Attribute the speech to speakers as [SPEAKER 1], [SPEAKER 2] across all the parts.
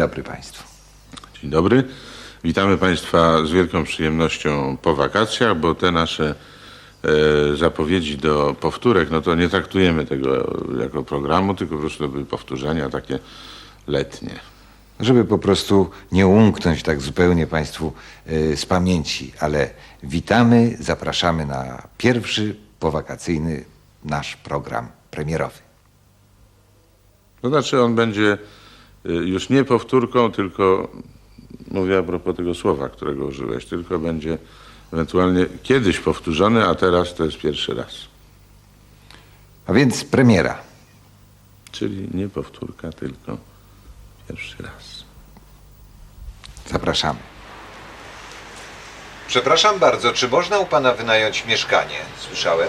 [SPEAKER 1] dobry państwu.
[SPEAKER 2] Dzień dobry. Witamy Państwa z wielką przyjemnością po wakacjach, bo te nasze zapowiedzi do powtórek, no to nie traktujemy tego jako programu, tylko po prostu to były powtórzenia takie letnie.
[SPEAKER 1] Żeby po prostu nie umknąć tak zupełnie państwu z pamięci, ale witamy, zapraszamy na pierwszy powakacyjny nasz program premierowy.
[SPEAKER 2] To znaczy on będzie już nie powtórką, tylko mówię a propos tego słowa, którego użyłeś, tylko będzie ewentualnie kiedyś powtórzony, a teraz to jest pierwszy raz.
[SPEAKER 1] A więc premiera.
[SPEAKER 2] Czyli nie powtórka, tylko pierwszy raz.
[SPEAKER 1] Zapraszamy.
[SPEAKER 3] Przepraszam bardzo, czy można u pana wynająć mieszkanie? Słyszałem.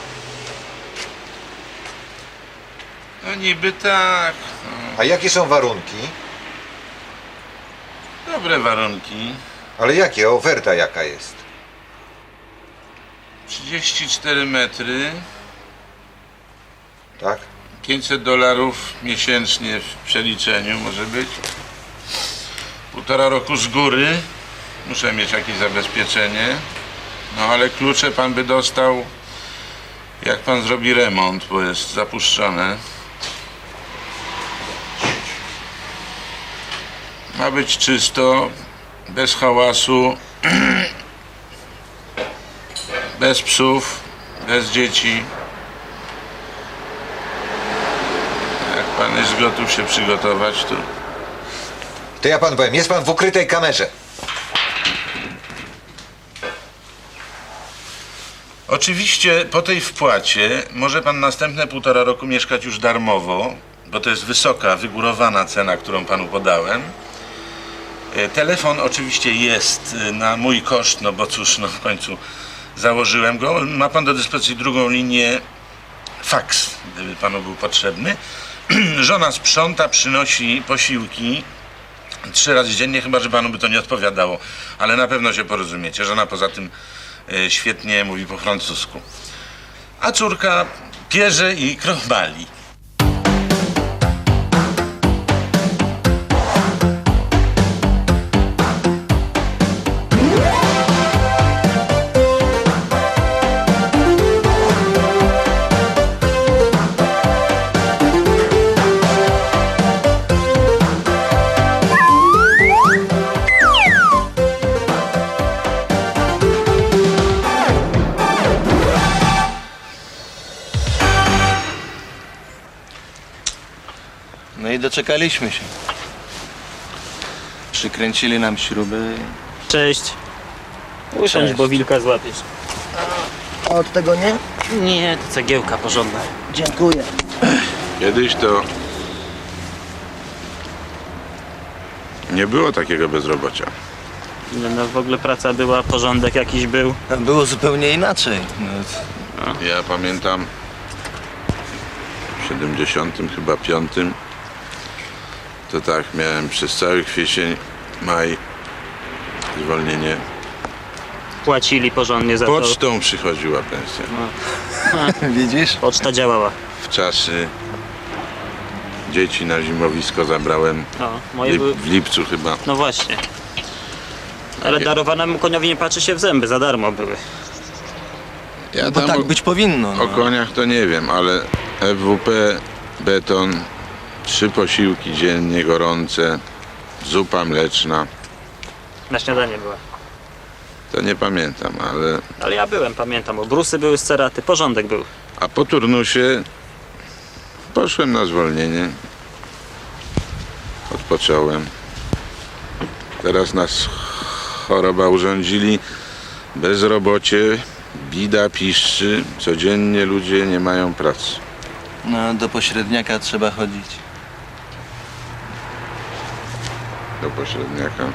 [SPEAKER 2] No niby tak.
[SPEAKER 3] A jakie są warunki?
[SPEAKER 2] Dobre warunki.
[SPEAKER 3] Ale jakie? Oferta jaka jest?
[SPEAKER 2] 34 metry,
[SPEAKER 3] Tak?
[SPEAKER 2] $500 miesięcznie w przeliczeniu może być. 1,5 roku z góry. Muszę mieć jakieś zabezpieczenie. No ale klucze pan by dostał, jak pan zrobi remont, bo jest zapuszczone. Ma być czysto, bez hałasu, bez psów, bez dzieci. Jak pan jest gotów się przygotować,
[SPEAKER 3] To ja panu powiem, jest pan w ukrytej kamerze.
[SPEAKER 2] Oczywiście po tej wpłacie może pan następne 1,5 roku mieszkać już darmowo, bo to jest wysoka, wygórowana cena, którą panu podałem. Telefon oczywiście jest na mój koszt, no bo cóż, no w końcu założyłem go. Ma pan do dyspozycji drugą linię faks, gdyby panu był potrzebny. Żona sprząta, przynosi posiłki 3 razy dziennie, chyba że panu by to nie odpowiadało, ale na pewno się porozumiecie. Żona poza tym świetnie mówi po francusku. A córka pierze i krochmali.
[SPEAKER 4] No i doczekaliśmy się. Przykręcili nam śruby.
[SPEAKER 5] Cześć. Usiądź,
[SPEAKER 4] Cześć.
[SPEAKER 5] bo wilka złapiesz.
[SPEAKER 6] A od tego nie?
[SPEAKER 5] Nie, to cegiełka porządna.
[SPEAKER 6] Dziękuję.
[SPEAKER 2] Kiedyś to nie było takiego bezrobocia.
[SPEAKER 5] No w ogóle praca była, porządek jakiś był.
[SPEAKER 4] A było zupełnie inaczej. No,
[SPEAKER 2] Ja pamiętam w 70 chyba 5 to tak miałem przez cały kwiecień, maj zwolnienie.
[SPEAKER 5] Płacili porządnie za to.
[SPEAKER 2] Pocztą przychodziła pensja.
[SPEAKER 4] widzisz?
[SPEAKER 5] Poczta działała.
[SPEAKER 2] W czasy dzieci na zimowisko zabrałem
[SPEAKER 5] No, moje były...
[SPEAKER 2] w lipcu chyba.
[SPEAKER 5] No właśnie. Ale darowanemu koniowi nie patrzy się w zęby, za darmo były.
[SPEAKER 2] Ja
[SPEAKER 4] Bo
[SPEAKER 2] tam
[SPEAKER 4] tak być powinno.
[SPEAKER 2] o
[SPEAKER 4] No.
[SPEAKER 2] koniach to nie wiem, ale FWP, beton, 3 posiłki dziennie gorące, zupa mleczna.
[SPEAKER 5] Na śniadanie była.
[SPEAKER 2] To nie pamiętam,
[SPEAKER 5] Ale ja byłem, pamiętam. Obrusy były z ceraty, porządek był.
[SPEAKER 2] a po turnusie poszłem na zwolnienie. Odpocząłem. Teraz nas choroba urządzili, bezrobocie, bida piszczy, codziennie ludzie nie mają pracy.
[SPEAKER 4] No, do pośredniaka trzeba chodzić.
[SPEAKER 2] Do pośredniaka.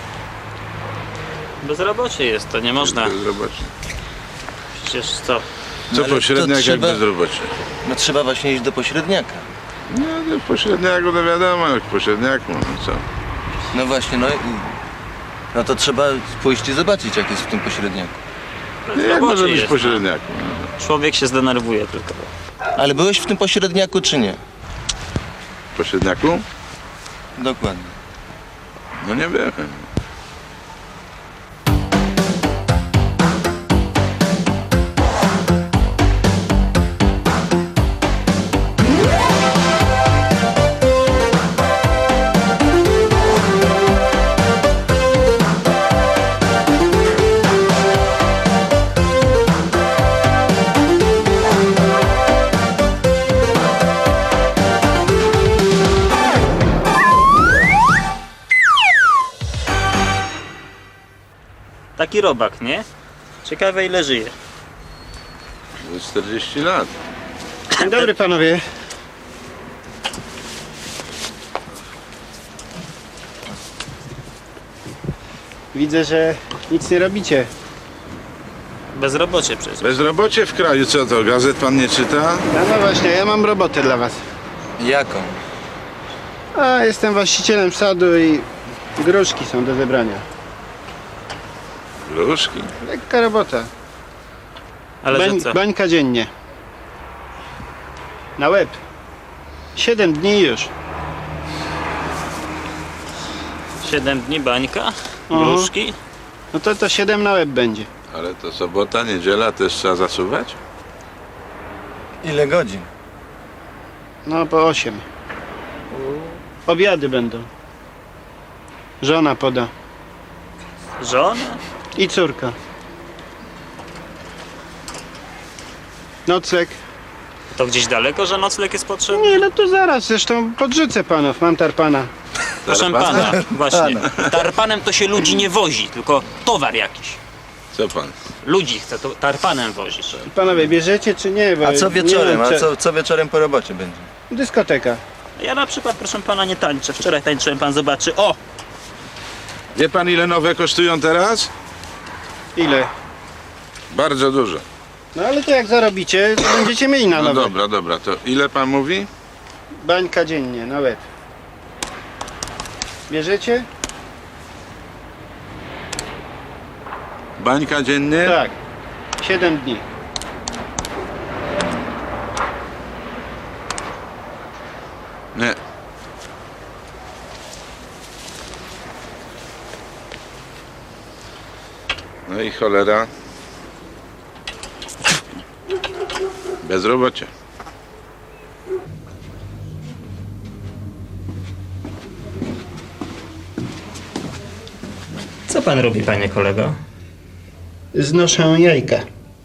[SPEAKER 5] Bezrobocie jest, to nie można.
[SPEAKER 2] Bezrobocie.
[SPEAKER 5] Przecież co?
[SPEAKER 2] Co
[SPEAKER 4] ale to
[SPEAKER 2] pośredniak jak
[SPEAKER 4] trzeba-
[SPEAKER 2] bezrobocie?
[SPEAKER 4] No trzeba właśnie iść do pośredniaka.
[SPEAKER 2] No to w pośredniaku to wiadomo, jak w pośredniaku, no co?
[SPEAKER 4] No właśnie, no to trzeba pójść i zobaczyć, jak jest w tym pośredniaku.
[SPEAKER 2] Jak
[SPEAKER 5] Bezrobocie
[SPEAKER 2] może być w
[SPEAKER 5] jest,
[SPEAKER 2] pośredniaku?
[SPEAKER 5] no. Człowiek się zdenerwuje tylko.
[SPEAKER 4] Ale byłeś w tym pośredniaku, czy nie?
[SPEAKER 2] W pośredniaku?
[SPEAKER 4] Dokładnie.
[SPEAKER 2] No nie byłem.
[SPEAKER 5] Taki robak, nie? Ciekawe ile żyje.
[SPEAKER 2] 40 lat.
[SPEAKER 7] Dzień dobry panowie. Widzę, że nic nie robicie.
[SPEAKER 5] Bezrobocie przecież.
[SPEAKER 2] Bezrobocie w kraju, co to? Gazet pan nie czyta?
[SPEAKER 7] No właśnie, ja mam robotę dla was.
[SPEAKER 4] Jaką?
[SPEAKER 7] A, jestem właścicielem sadu i gruszki są do zebrania.
[SPEAKER 2] Gruszki.
[SPEAKER 7] Lekka robota.
[SPEAKER 5] Ale że co?
[SPEAKER 7] Bańka dziennie. Na łeb. 7 dni już.
[SPEAKER 5] 7 dni bańka?
[SPEAKER 7] Mhm.
[SPEAKER 5] Gruszki?
[SPEAKER 7] No to 7 na łeb będzie.
[SPEAKER 2] Ale to sobota, niedziela też trzeba zasuwać?
[SPEAKER 4] Ile godzin?
[SPEAKER 7] No po 8. Obiady będą. Żona poda.
[SPEAKER 5] Żona?
[SPEAKER 7] I córka. Nocleg.
[SPEAKER 5] To gdzieś daleko, że nocleg jest potrzebny?
[SPEAKER 7] Nie, no to zaraz, zresztą podrzucę panów, mam tarpana.
[SPEAKER 5] Proszę pana, właśnie. Tarpanem to się ludzi nie wozi, tylko towar jakiś.
[SPEAKER 2] Co pan?
[SPEAKER 5] Ludzi chce to tarpanem wozić.
[SPEAKER 7] Panowie, bierzecie czy nie? Bo
[SPEAKER 4] A co
[SPEAKER 7] nie
[SPEAKER 4] wieczorem?
[SPEAKER 7] wiem,
[SPEAKER 4] A co wieczorem po robocie będzie?
[SPEAKER 7] Dyskoteka.
[SPEAKER 5] Ja na przykład, proszę pana, nie tańczę. Wczoraj tańczyłem, pan zobaczy. O!
[SPEAKER 2] Wie pan, ile nowe kosztują teraz?
[SPEAKER 7] Ile?
[SPEAKER 2] Bardzo dużo.
[SPEAKER 7] No ale to jak zarobicie, to będziecie mieli na
[SPEAKER 2] No
[SPEAKER 7] nowe.
[SPEAKER 2] dobra, to ile pan mówi?
[SPEAKER 7] Bańka dziennie, na łeb. Bierzecie?
[SPEAKER 2] Bańka dziennie?
[SPEAKER 7] Tak. 7 dni.
[SPEAKER 2] Nie. No i cholera. Bezrobocie.
[SPEAKER 5] Co pan robi, panie kolego?
[SPEAKER 7] Znoszę jajka.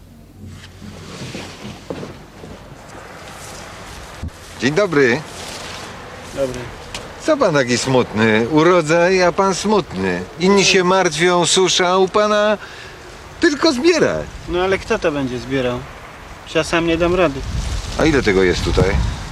[SPEAKER 1] Dzień dobry.
[SPEAKER 7] Dobry.
[SPEAKER 1] Co pan taki smutny? Urodzaj, a pan smutny. Inni się martwią, susza, a u pana tylko zbierać.
[SPEAKER 7] No ale kto to będzie zbierał? Ja sam nie dam rady.
[SPEAKER 1] A ile tego jest tutaj?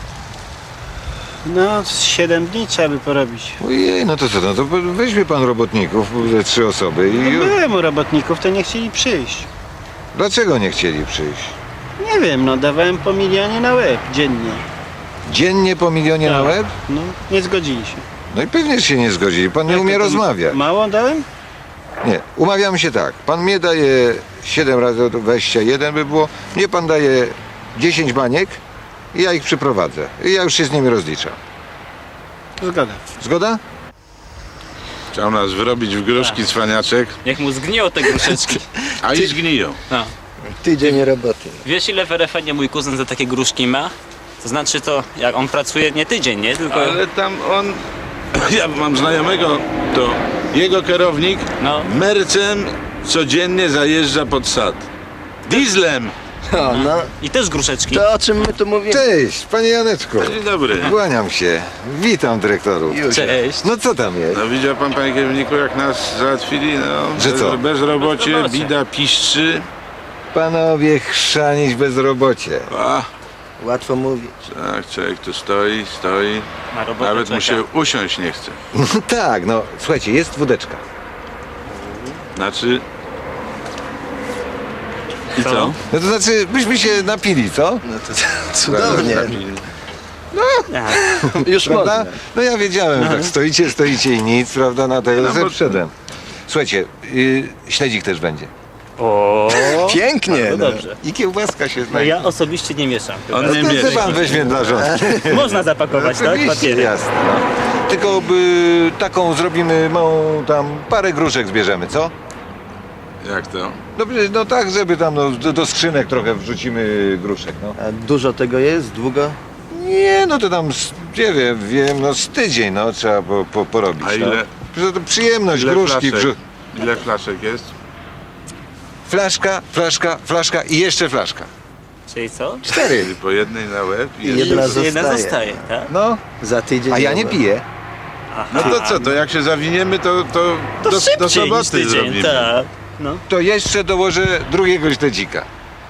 [SPEAKER 7] No, 7 dni trzeba by porobić.
[SPEAKER 1] Ojej, no to co, no to weźmie pan robotników, ze 3 osoby
[SPEAKER 7] No,
[SPEAKER 1] i...
[SPEAKER 7] byłem u robotników, to nie chcieli przyjść.
[SPEAKER 1] Dlaczego nie chcieli przyjść?
[SPEAKER 7] Nie wiem, no dawałem po milionie na łeb dziennie.
[SPEAKER 1] Dziennie po milionie na
[SPEAKER 7] Tak.
[SPEAKER 1] łeb?
[SPEAKER 7] No, nie zgodzili się.
[SPEAKER 1] No i pewnie się nie zgodzili, pan nie
[SPEAKER 7] Jak
[SPEAKER 1] umie
[SPEAKER 7] to
[SPEAKER 1] rozmawiać.
[SPEAKER 7] Mało dałem?
[SPEAKER 1] Nie, umawiamy się tak. Pan mnie daje 7 razy 21 by było, mnie pan daje 10 baniek i ja ich przyprowadzę. I ja już się z nimi rozliczam.
[SPEAKER 7] Zgoda.
[SPEAKER 1] Zgoda?
[SPEAKER 2] Chciał nas wyrobić w gruszki cwaniaczek,
[SPEAKER 5] Niech mu zgniją te gruszeczki.
[SPEAKER 2] a i zgniją.
[SPEAKER 5] No.
[SPEAKER 6] Tydzień roboty.
[SPEAKER 5] Wiesz, ile w RFN mój kuzyn za takie gruszki ma? To znaczy to, jak on pracuje nie tydzień, nie? Tylko...
[SPEAKER 2] Ale tam on... Ja mam znajomego, to jego kierownik
[SPEAKER 5] No.
[SPEAKER 2] mercem codziennie zajeżdża pod sad. Dieslem!
[SPEAKER 6] O, no,
[SPEAKER 5] I też gruszeczki.
[SPEAKER 6] to o czym my tu mówimy?
[SPEAKER 1] Cześć, panie Janeczku.
[SPEAKER 2] Dzień dobry.
[SPEAKER 1] Kłaniam się. Witam dyrektorów.
[SPEAKER 6] Już.
[SPEAKER 5] Cześć.
[SPEAKER 1] No co tam jest?
[SPEAKER 2] No widział pan, panie kierowniku, jak nas załatwili? No,
[SPEAKER 1] Że co?
[SPEAKER 2] Bezrobocie,
[SPEAKER 5] Bezrobocie.
[SPEAKER 2] bida, piszczy.
[SPEAKER 1] Panowie chrzanić bezrobocie.
[SPEAKER 2] A,
[SPEAKER 6] Łatwo mówić.
[SPEAKER 2] tak, człowiek tu stoi,
[SPEAKER 5] Ma robotę,
[SPEAKER 2] nawet mu
[SPEAKER 5] czeka.
[SPEAKER 2] się usiąść nie chce.
[SPEAKER 1] Tak, no słuchajcie, jest wódeczka.
[SPEAKER 2] Znaczy... I
[SPEAKER 5] Co?
[SPEAKER 2] co?
[SPEAKER 1] No to znaczy, byśmy się napili, co?
[SPEAKER 6] No to cudownie. Już
[SPEAKER 1] Prawda?
[SPEAKER 6] można.
[SPEAKER 1] No ja wiedziałem, że tak stoicie i nic, prawda, na tego
[SPEAKER 2] No bo-
[SPEAKER 1] wszedłem. Słuchajcie, śledzik też będzie.
[SPEAKER 5] O,
[SPEAKER 6] Pięknie.
[SPEAKER 5] no
[SPEAKER 6] No.
[SPEAKER 5] dobrze.
[SPEAKER 1] I kiełbaska się
[SPEAKER 5] No
[SPEAKER 1] znajdzie.
[SPEAKER 5] ja osobiście nie mieszam.
[SPEAKER 2] On
[SPEAKER 1] No
[SPEAKER 2] nie
[SPEAKER 1] to
[SPEAKER 2] bierze.
[SPEAKER 1] co pan weźmie dla żony?
[SPEAKER 5] Można zapakować, tak?
[SPEAKER 1] Oczywiście,
[SPEAKER 5] Papiery.
[SPEAKER 1] jasne. No.
[SPEAKER 3] tylko taką zrobimy małą tam parę gruszek zbierzemy, co?
[SPEAKER 2] Jak to?
[SPEAKER 3] No tak, żeby tam do skrzynek trochę wrzucimy gruszek, no.
[SPEAKER 6] A dużo tego jest? Długo?
[SPEAKER 3] Nie, no to tam, nie wiem, no z tydzień, no trzeba porobić.
[SPEAKER 2] A ile?
[SPEAKER 3] No. To przyjemność,
[SPEAKER 2] Ile
[SPEAKER 3] gruszki.
[SPEAKER 2] flaszek? Ile flaszek jest?
[SPEAKER 3] Flaszka i jeszcze flaszka.
[SPEAKER 5] Czyli co?
[SPEAKER 3] 4.
[SPEAKER 2] Czyli po jednej na łeb i
[SPEAKER 6] Jedna
[SPEAKER 2] jeszcze...
[SPEAKER 5] Jedna
[SPEAKER 6] zostaje.
[SPEAKER 5] zostaje, tak?
[SPEAKER 3] No,
[SPEAKER 6] Za tydzień.
[SPEAKER 3] a ja nie
[SPEAKER 6] nowe.
[SPEAKER 3] piję.
[SPEAKER 2] No to co, to jak się zawiniemy, to do
[SPEAKER 5] szybciej niż
[SPEAKER 2] soboty
[SPEAKER 5] tydzień,
[SPEAKER 2] zrobimy.
[SPEAKER 5] tak. No.
[SPEAKER 3] To jeszcze dołożę drugiego śledzika.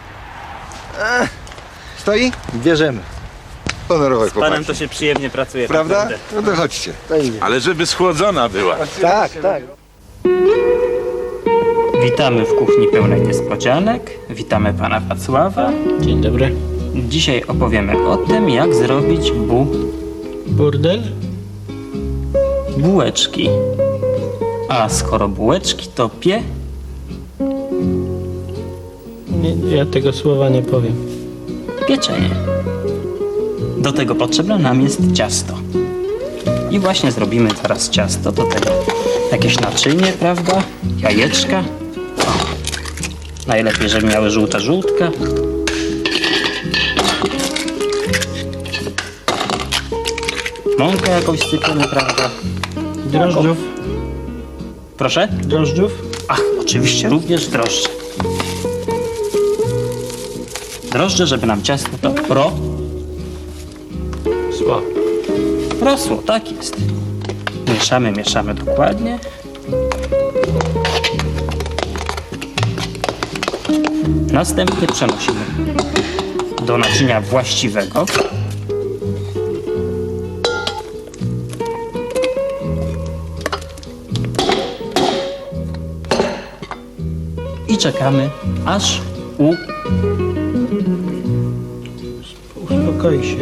[SPEAKER 3] Stoi?
[SPEAKER 6] Bierzemy.
[SPEAKER 3] Honorowe
[SPEAKER 5] Panem
[SPEAKER 3] chłopaki.
[SPEAKER 5] to się przyjemnie pracuje.
[SPEAKER 3] Prawda?
[SPEAKER 5] naprawdę.
[SPEAKER 3] No to chodźcie.
[SPEAKER 6] To idzie.
[SPEAKER 2] Ale żeby schłodzona była.
[SPEAKER 6] Tak, tak.
[SPEAKER 5] Witamy w kuchni pełnej niespodzianek. Witamy pana Wacława.
[SPEAKER 8] Dzień dobry.
[SPEAKER 5] Dzisiaj opowiemy o tym, jak zrobić
[SPEAKER 8] Burdel?
[SPEAKER 5] bułeczki. A skoro bułeczki, to
[SPEAKER 8] Nie, ja tego słowa nie powiem.
[SPEAKER 5] pieczenie. Do tego potrzebne nam jest ciasto. I właśnie zrobimy teraz ciasto. Do tego jakieś naczynie, prawda? Jajeczka. O. Najlepiej, żeby miały żółta żółtka. Mąkę jakąś sypiemy, prawda?
[SPEAKER 8] Drożdżów?
[SPEAKER 5] Proszę?
[SPEAKER 8] Drożdżów?
[SPEAKER 5] Ach, oczywiście również drożdże. Drożdże, żeby nam ciasto to
[SPEAKER 8] Sło.
[SPEAKER 5] rosło, tak jest. Mieszamy dokładnie. Następnie przenosimy do naczynia właściwego. I czekamy, aż
[SPEAKER 8] Uspokoi się.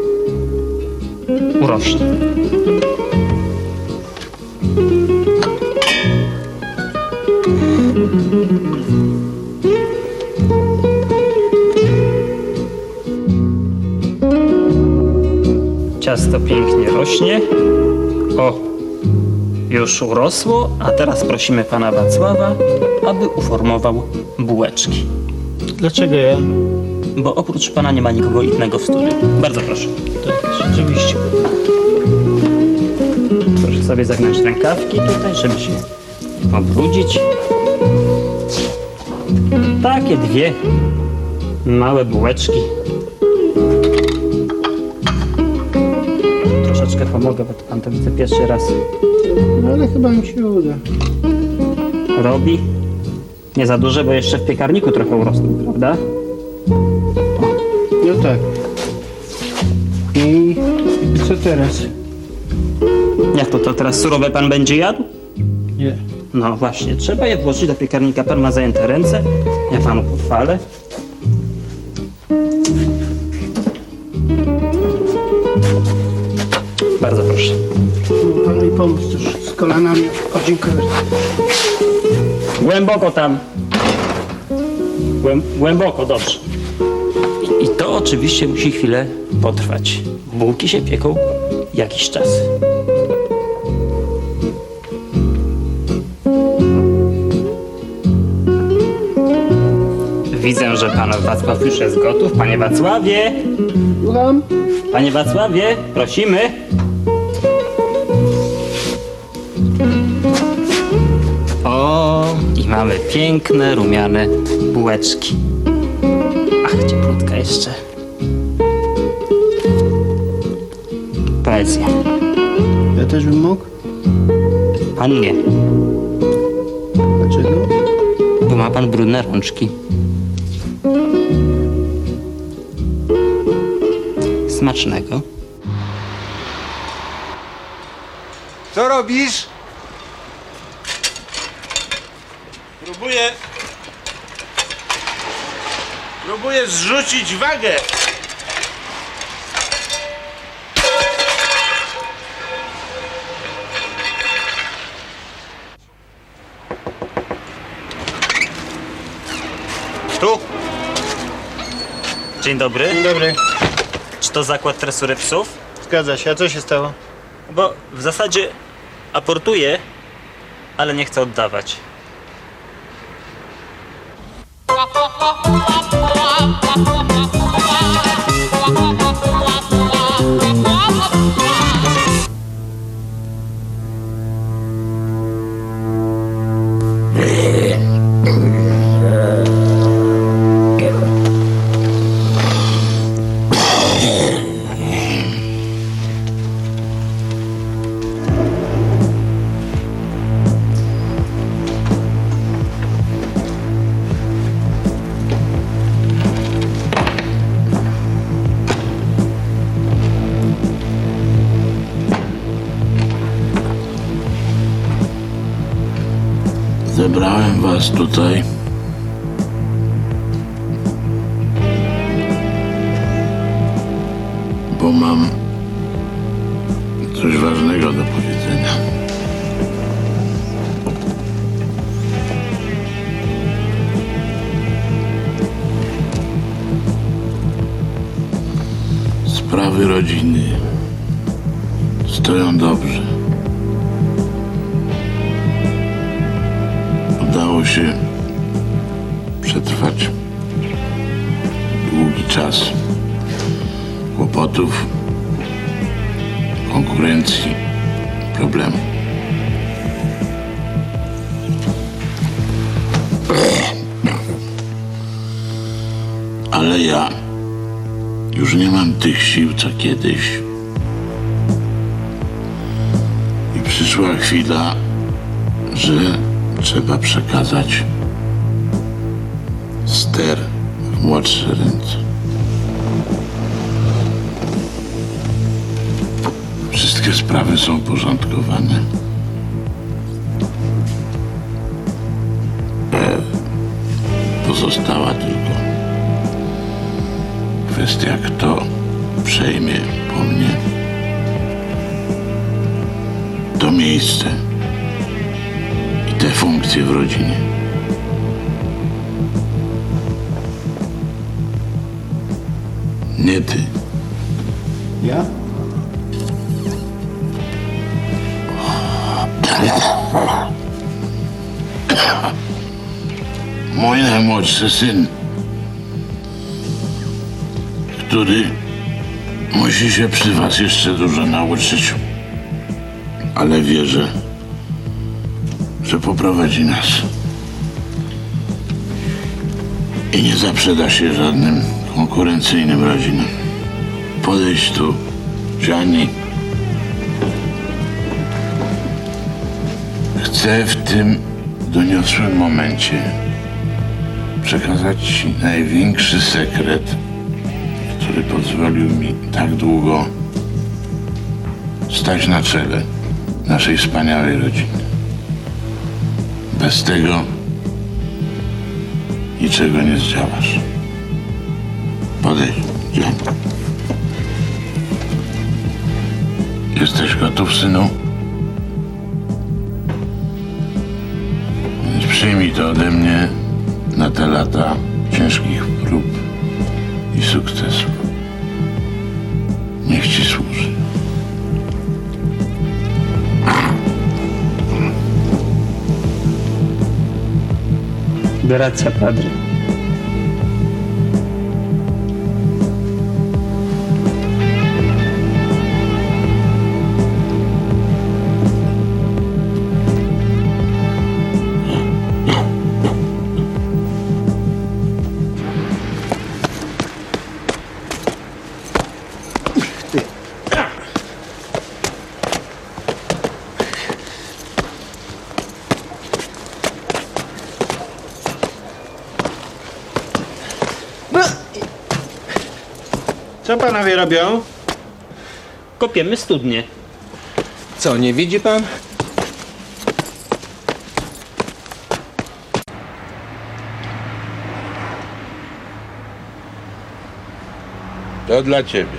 [SPEAKER 5] urośnie. Ciasto pięknie rośnie. O, już urosło, a teraz prosimy pana Wacława, aby uformował bułeczki.
[SPEAKER 8] Dlaczego ja?
[SPEAKER 5] Bo oprócz pana nie ma nikogo innego w studiu. Bardzo proszę.
[SPEAKER 8] Tak, rzeczywiście.
[SPEAKER 5] Proszę sobie zagnąć rękawki tutaj, żeby się obrudzić. Takie dwie małe bułeczki. Troszeczkę pomogę, bo to pan to widzę pierwszy raz
[SPEAKER 7] No ale chyba mi się uda.
[SPEAKER 5] robi. Nie za duże, bo jeszcze w piekarniku trochę urosną, prawda?
[SPEAKER 7] No tak. I co teraz?
[SPEAKER 5] Jak to teraz surowe pan będzie jadł?
[SPEAKER 7] Nie.
[SPEAKER 5] No właśnie, trzeba je włożyć do piekarnika. Pan ma zajęte ręce. Ja panu pochwalę. Bardzo proszę.
[SPEAKER 7] Pan mi pomóc też z kolanami. O, dziękuję.
[SPEAKER 5] Głęboko tam. Głęboko, dobrze. I to oczywiście musi chwilę potrwać. Bułki się pieką jakiś czas. Widzę, że pan Wacław już jest gotów. Panie Wacławie!
[SPEAKER 7] Słucham?
[SPEAKER 5] Panie Wacławie, prosimy. O, i mamy piękne, rumiane bułeczki. Ach, cieplutka jeszcze. Poezja.
[SPEAKER 7] Ja też bym mógł?
[SPEAKER 5] Pan nie,
[SPEAKER 7] Dlaczego?
[SPEAKER 5] bo ma pan brudne rączki. Smacznego.
[SPEAKER 3] Co robisz?
[SPEAKER 2] Próbuję zrzucić wagę.
[SPEAKER 3] Tu?
[SPEAKER 5] Dzień dobry.
[SPEAKER 7] Dzień dobry.
[SPEAKER 5] Czy to zakład tresury psów?
[SPEAKER 7] Zgadza się. A co się stało?
[SPEAKER 5] Bo w zasadzie aportuje, ale nie chce oddawać.
[SPEAKER 9] Zebrałem was tutaj, bo mam coś ważnego do powiedzenia. Sprawy rodziny stoją dobrze. Udało się przetrwać długi czas kłopotów, konkurencji, problemów. Ale ja już nie mam tych sił, co kiedyś. I przyszła chwila, że trzeba przekazać ster w młodsze ręce. Wszystkie sprawy są porządkowane. Pozostała tylko kwestia, kto przejmie po mnie to miejsce i te funkcje w rodzinie. Nie ty.
[SPEAKER 7] Ja?
[SPEAKER 9] Mój najmłodszy syn, który musi się przy was jeszcze dużo nauczyć, ale wierzę, że poprowadzi nas i nie zaprzeda się żadnym konkurencyjnym rodzinom. Podejdź tu, Gianni. Chcę w tym doniosłym momencie przekazać ci największy sekret, który pozwolił mi tak długo stać na czele naszej wspaniałej rodziny. Bez tego niczego nie zdziałasz. Podejdź, Gianni. Jesteś gotów, synu? Więc przyjmij to ode mnie na te lata ciężkich prób i sukcesów. Niech ci służy.
[SPEAKER 5] Grazie, padre.
[SPEAKER 7] Co panowie robią?
[SPEAKER 5] Kopiemy studnie.
[SPEAKER 6] Co, nie widzi pan?
[SPEAKER 9] To dla ciebie.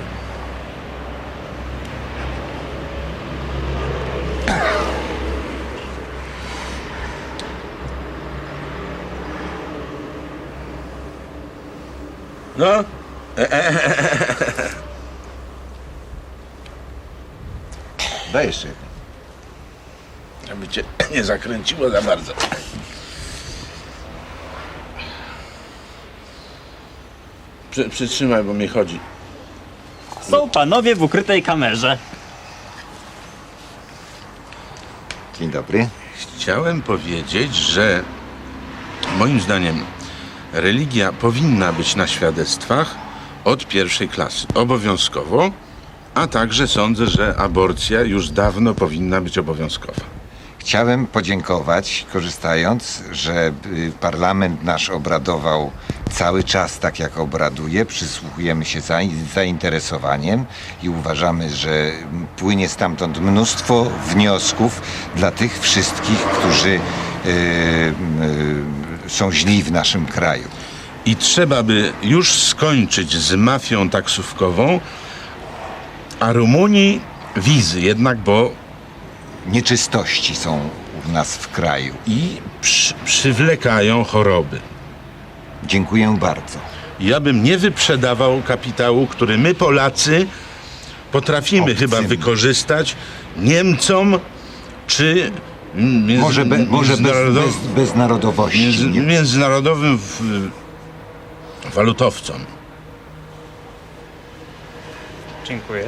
[SPEAKER 2] No?
[SPEAKER 1] Daj jeszcze jedno.
[SPEAKER 2] Żeby cię nie zakręciło za bardzo. Przytrzymaj, bo mi chodzi.
[SPEAKER 5] Są panowie w ukrytej kamerze.
[SPEAKER 1] Dzień dobry.
[SPEAKER 2] Chciałem powiedzieć, że moim zdaniem religia powinna być na świadectwach od pierwszej klasy, obowiązkowo, a także sądzę, że aborcja już dawno powinna być obowiązkowa.
[SPEAKER 1] Chciałem podziękować, korzystając, że parlament nasz obradował cały czas tak, jak obraduje. Przysłuchujemy się z zainteresowaniem i uważamy, że płynie stamtąd mnóstwo wniosków dla tych wszystkich, którzy są źli w naszym kraju.
[SPEAKER 2] I trzeba by już skończyć z mafią taksówkową, a Rumunii wizy jednak, bo
[SPEAKER 1] Nieczystości są u nas w kraju.
[SPEAKER 2] i przywlekają choroby.
[SPEAKER 1] Dziękuję bardzo.
[SPEAKER 2] Ja bym nie wyprzedawał kapitału, który my Polacy potrafimy
[SPEAKER 1] Obcym.
[SPEAKER 2] chyba wykorzystać Niemcom czy
[SPEAKER 1] Może bez narodowości. nie?
[SPEAKER 2] międzynarodowym walutowcom.
[SPEAKER 5] Dziękuję.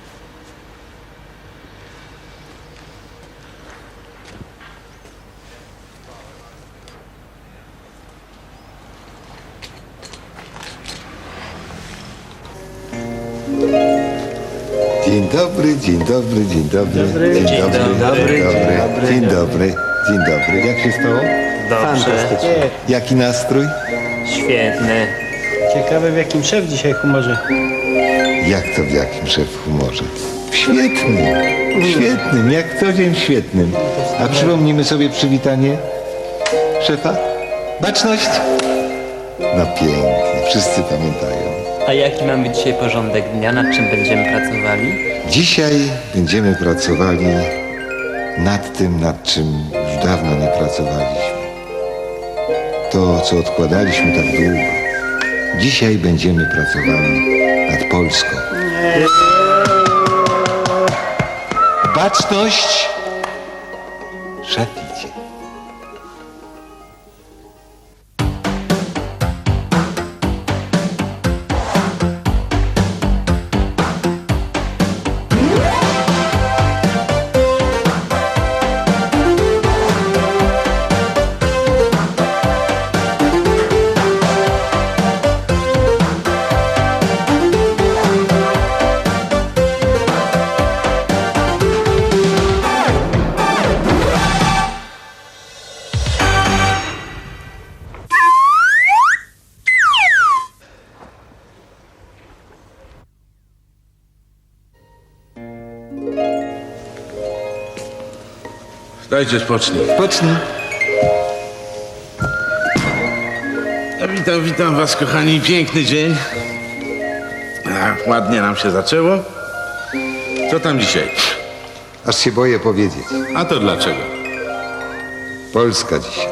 [SPEAKER 3] Dzień dobry, dzień dobry, dzień dobry.
[SPEAKER 8] Dobry.
[SPEAKER 3] Dzień
[SPEAKER 8] Dzień
[SPEAKER 3] dobry,
[SPEAKER 4] dobry.
[SPEAKER 3] dzień dobry. Dzień dobry. Jak się stało?
[SPEAKER 5] Dobrze.
[SPEAKER 3] Jaki nastrój?
[SPEAKER 5] Świetny.
[SPEAKER 8] Ciekawe w jakim szef dzisiaj humorze.
[SPEAKER 3] Jak to w jakim szef humorze? W świetnym. W świetnym, jak co dzień w świetnym. A przypomnimy sobie przywitanie szefa? Baczność! No pięknie, wszyscy pamiętają.
[SPEAKER 10] A jaki mamy dzisiaj porządek dnia? Nad czym będziemy pracowali?
[SPEAKER 3] Dzisiaj będziemy pracowali nad tym, nad czym już dawno nie pracowaliśmy. To, co odkładaliśmy tak długo. Dzisiaj będziemy pracowali nad Polską. Baczność! Szef idzie.
[SPEAKER 2] Dajcie spocznij.
[SPEAKER 3] Pocznij.
[SPEAKER 2] Witam was, kochani. Piękny dzień. Ładnie nam się zaczęło. Co tam dzisiaj?
[SPEAKER 3] Aż się boję powiedzieć.
[SPEAKER 2] A to dlaczego?
[SPEAKER 3] Polska dzisiaj.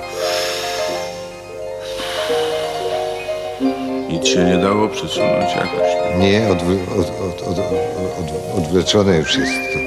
[SPEAKER 2] Nic się nie dało przesunąć jakoś.
[SPEAKER 3] Nie, odwleczone już jest to.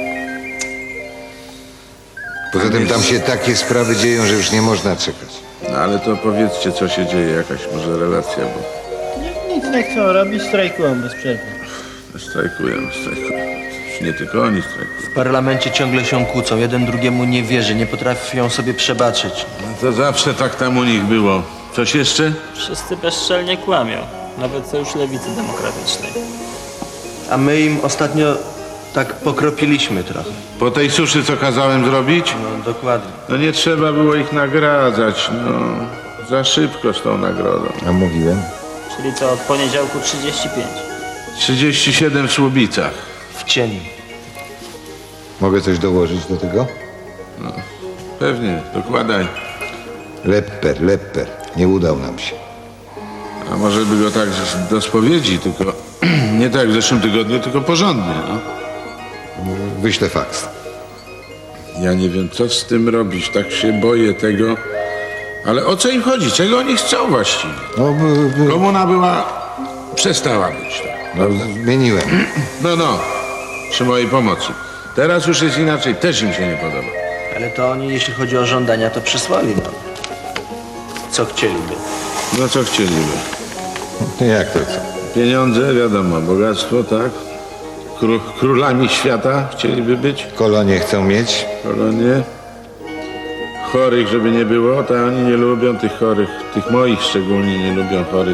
[SPEAKER 3] Poza tym tam się takie sprawy dzieją, że już nie można czekać.
[SPEAKER 2] No ale to powiedzcie, co się dzieje, jakaś może relacja, bo
[SPEAKER 8] Nic nie chcą robić, strajkują bez przerwy.
[SPEAKER 2] strajkują. Już nie tylko oni strajkują.
[SPEAKER 4] W parlamencie ciągle się kłócą, jeden drugiemu nie wierzy, nie potrafią sobie przebaczyć.
[SPEAKER 2] No to zawsze tak tam u nich było. Coś jeszcze?
[SPEAKER 5] Wszyscy bezczelnie kłamią. Nawet Sojusz Lewicy Demokratycznej.
[SPEAKER 4] A my im ostatnio tak pokropiliśmy trochę.
[SPEAKER 2] Po tej suszy, co kazałem zrobić?
[SPEAKER 4] No dokładnie.
[SPEAKER 2] No nie trzeba było ich nagradzać, no. Za szybko z tą nagrodą.
[SPEAKER 3] A mówiłem?
[SPEAKER 5] Czyli co, od poniedziałku 35.
[SPEAKER 2] 37 w Słubicach.
[SPEAKER 4] W cieniu.
[SPEAKER 3] Mogę coś dołożyć do tego?
[SPEAKER 2] Pewnie, dokładaj.
[SPEAKER 3] Lepper. Nie udał nam się.
[SPEAKER 2] A może by go tak do spowiedzi, tylko nie tak jak w zeszłym tygodniu, tylko porządnie, no.
[SPEAKER 3] Wyślę faks.
[SPEAKER 2] Ja nie wiem, co z tym robić, tak się boję tego. Ale o co im chodzi? Czego oni chcą właściwie?
[SPEAKER 3] No,
[SPEAKER 2] Komuna była... przestała być. Tak.
[SPEAKER 3] zmieniłem.
[SPEAKER 2] No, przy mojej pomocy.
[SPEAKER 9] Teraz już jest inaczej, też im się nie podoba.
[SPEAKER 6] Ale to oni, jeśli chodzi o żądania, to przysłali nam. Co chcieliby?
[SPEAKER 9] No co chcieliby?
[SPEAKER 3] Jak to co?
[SPEAKER 9] Pieniądze, wiadomo, bogactwo, tak? Królami świata chcieliby być,
[SPEAKER 3] Kolonie chcą mieć?
[SPEAKER 9] kolonie. Chorych, żeby nie było, to oni nie lubią tych chorych. Tych moich szczególnie nie lubią chorych.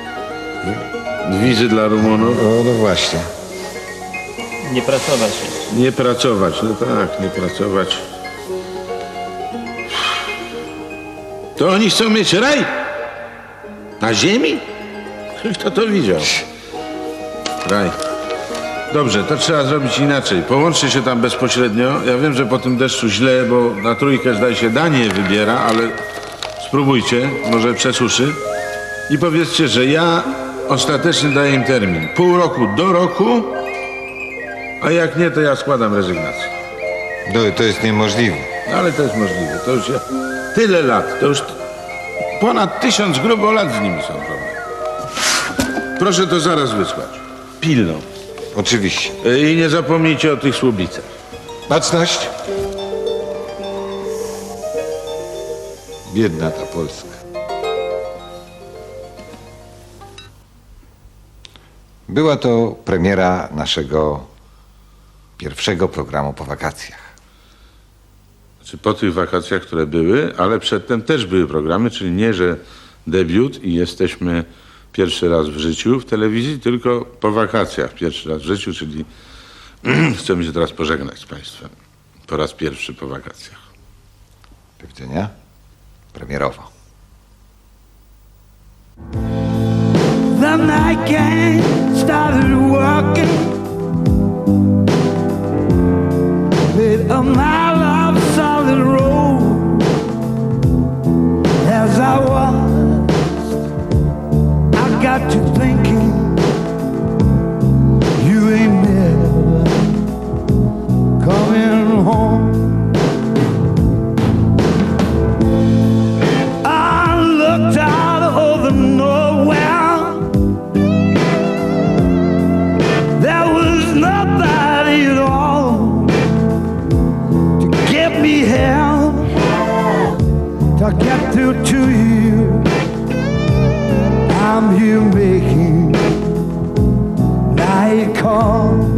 [SPEAKER 9] Wizy dla Rumunów.
[SPEAKER 3] O, no właśnie.
[SPEAKER 5] Nie pracować jeszcze.
[SPEAKER 9] Nie pracować, no tak, nie pracować. To oni chcą mieć raj? Na ziemi? Kto to widział? Raj. Dobrze, to trzeba zrobić inaczej. Połączcie się tam bezpośrednio. Ja wiem, że po tym deszczu źle, bo na trójkę zdaje się Danię wybiera, ale spróbujcie, może przesuszy. I powiedzcie, że ja ostatecznie daję im termin. Pół roku do roku, a jak nie, to ja składam rezygnację.
[SPEAKER 3] To jest niemożliwe.
[SPEAKER 9] No, ale to jest możliwe. To już tyle lat, to już ponad 1000 grubo lat z nimi są problemy. Proszę to zaraz wysłać. Pilną.
[SPEAKER 3] Oczywiście.
[SPEAKER 9] I nie zapomnijcie o tych słubicach.
[SPEAKER 3] Baczność. Biedna ta Polska. Była to premiera naszego pierwszego programu po wakacjach.
[SPEAKER 9] Znaczy po tych wakacjach, które były, ale przedtem też były programy, czyli nie, że debiut i jesteśmy pierwszy raz w życiu w telewizji, tylko po wakacjach pierwszy raz w życiu, czyli chcemy się teraz pożegnać z Państwem. Po raz pierwszy po wakacjach.
[SPEAKER 3] Do widzenia. Premierowo.
[SPEAKER 11] The night gang started walking with a mile of solid road. As I watched, I got to thinking, you ain't never coming home. I looked out over nowhere. There was nobody at all to get me here, to get through to you. I'm here making night call.